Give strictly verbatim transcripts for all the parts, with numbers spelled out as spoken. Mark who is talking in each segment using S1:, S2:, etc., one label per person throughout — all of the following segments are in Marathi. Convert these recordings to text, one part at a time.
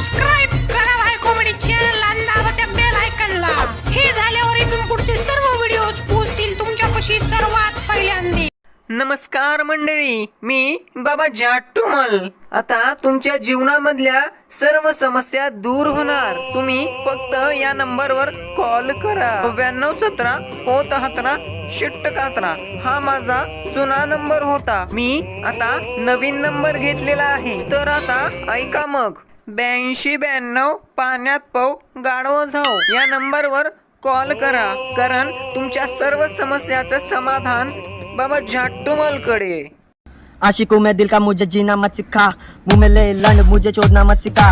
S1: सबस्क्राइब करा भाई कॉमेडी चॅनल आणि दाबा त्या बेल आयकॉनला। हे झाल्यावर इथून पुढचे सर्व व्हिडिओज पोहोचतील तुमच्यापाशी सर्वात पहिल्यांदा।
S2: नमस्कार मंडळी, मी बाबा जाटुमल। आता तुमच्या जीवनामधल्या सर्व समस्या दूर होणार। तुम्ही फक्त या नंबरवर कॉल करा। नव्याण्णव सतरा होतहतरा शिट्ट कातरा हा माझा जुना नंबर होता। मी आता नवीन नंबर घेतलेला आहे। तर आता ऐका मग, ब्याऐंशी ब्याण्णव पाण्यात पाव गाढव जाऊ या नंबरवर कॉल करा, कारण तुमच्या सर्व समस्याचं समाधान बाबा जाटुमल कडे।
S3: आशिकों में दिल का मुझे जीना मत सिखा, मुंह में ले लंड मुझे छोड़ना मत सिखा।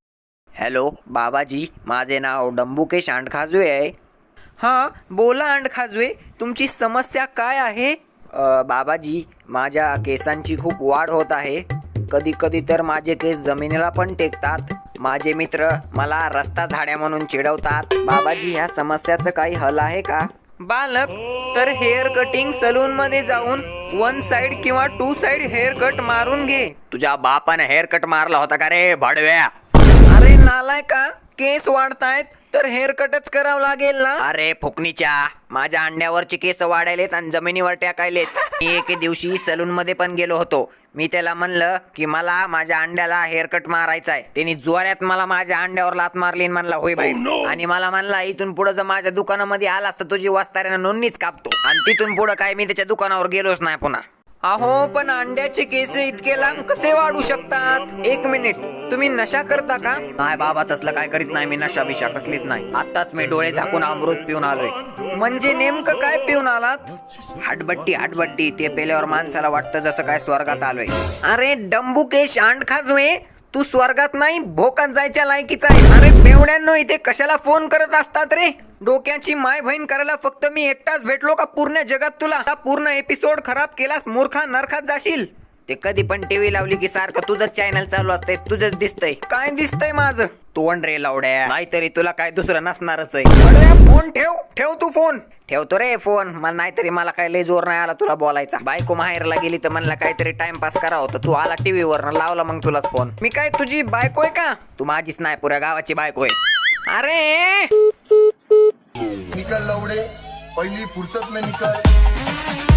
S2: हॅलो बाबाजी, माझे नाव डंबुकेश अंडखाजवे आहे। हां बोला अंडखाजवे, तुमची समस्या काय आहे? अ, बाबाजी, माझ्या केसांची खूप वाढ होत आहे। कधी कधी तर माझे केस जमिनीला पण टेकतात। माझे मित्र मला रस्ता झाड्या म्हणून चिडवतात। बाबाजी, ह्या समस्याचं काही हल आहे का? बालक, तर हेअर कटिंग सलून मध्ये जाऊन वन साइड किंवा टू साइड हेअर कट मारून घे। तुझ्या बापाने हेअर कट मारला होता का रे भडव्या? अरे नालाय का, केस वाढतायत तर हेअर कटच करावं लागेल ना। अरे फुकणीच्या, माझ्या अंड्यावरचे केस वाढायलेत आणि जमिनीवर टाकायलेत। मी एके दिवशी सलून मध्ये पण गेलो होतो। मी त्याला म्हणलं की मला माझ्या अंड्याला हेअर कट मारायचा आहे। त्यांनी जोरात मला माझ्या अंड्यावर लात मारली आणि म्हणला होय बाई, आणि मला म्हणला इथून पुढे जर माझ्या दुकानामध्ये आलास तर तुझी वस्ताऱ्यानं नोंदणीच कापतो। आणि तिथून पुढे काय मी त्याच्या दुकानावर गेलोच नाही पुन्हा। अहो पण अंड्याचे केस इतके लांब कसे वाढू शकतात? एक मिनिट, तुम्ही नशा करता का? नाही बाबा, तसलं काय करीत नाही मी, नशा बिशा कसलीच नाही। आताच मी डोळे झाकून अमृत पिऊन आलोय। म्हणजे नेमकं काय पिऊन आलात? हाटबट्टी हाटबट्टी, ते पेल्यावर माणसाला वाटतं जसं काय स्वर्गात आलोय। अरे डंबुकेश अंडखाजवे, तू स्वर्गात नाही भोकात जायच्या लायकीचा आहे। अरे बेवड्यांनो, इथे कशाला फोन करत असतात रे? डोक्याची माय बहीण करायला फक्त मी एकटाच भेटलो का पूर्ण जगात तुला? पूर्ण एपिसोड खराब केलास मूर्खा, नरकात जाशील। ते कधी पण टीव्ही लावली की सारखं तुझंच चॅनल चालू असतंय, तुझंच दिसतंय। काय दिसतंय माझं? तोंड रे लावड्या, नाहीतरी तुला काय दुसरं नसणारच आहे। अरे फोन ठेव, ठेव तू फोन। ठेवतो रे फोन, मला नाहीतरी मला काय लय जोर नाही आला तुला बोलायचा। बायको माहेरला गेली तर म्हणला काहीतरी टाइमपास करावं, तर तू आला टीव्ही वर लावला मग तुलाच फोन। मी काय तुझी बायको आहे का? तू माझीच नाही, पुऱ्या गावाची बायको आहे। अरे
S4: निकल लवड़े, पहली फुर्सत में निकल।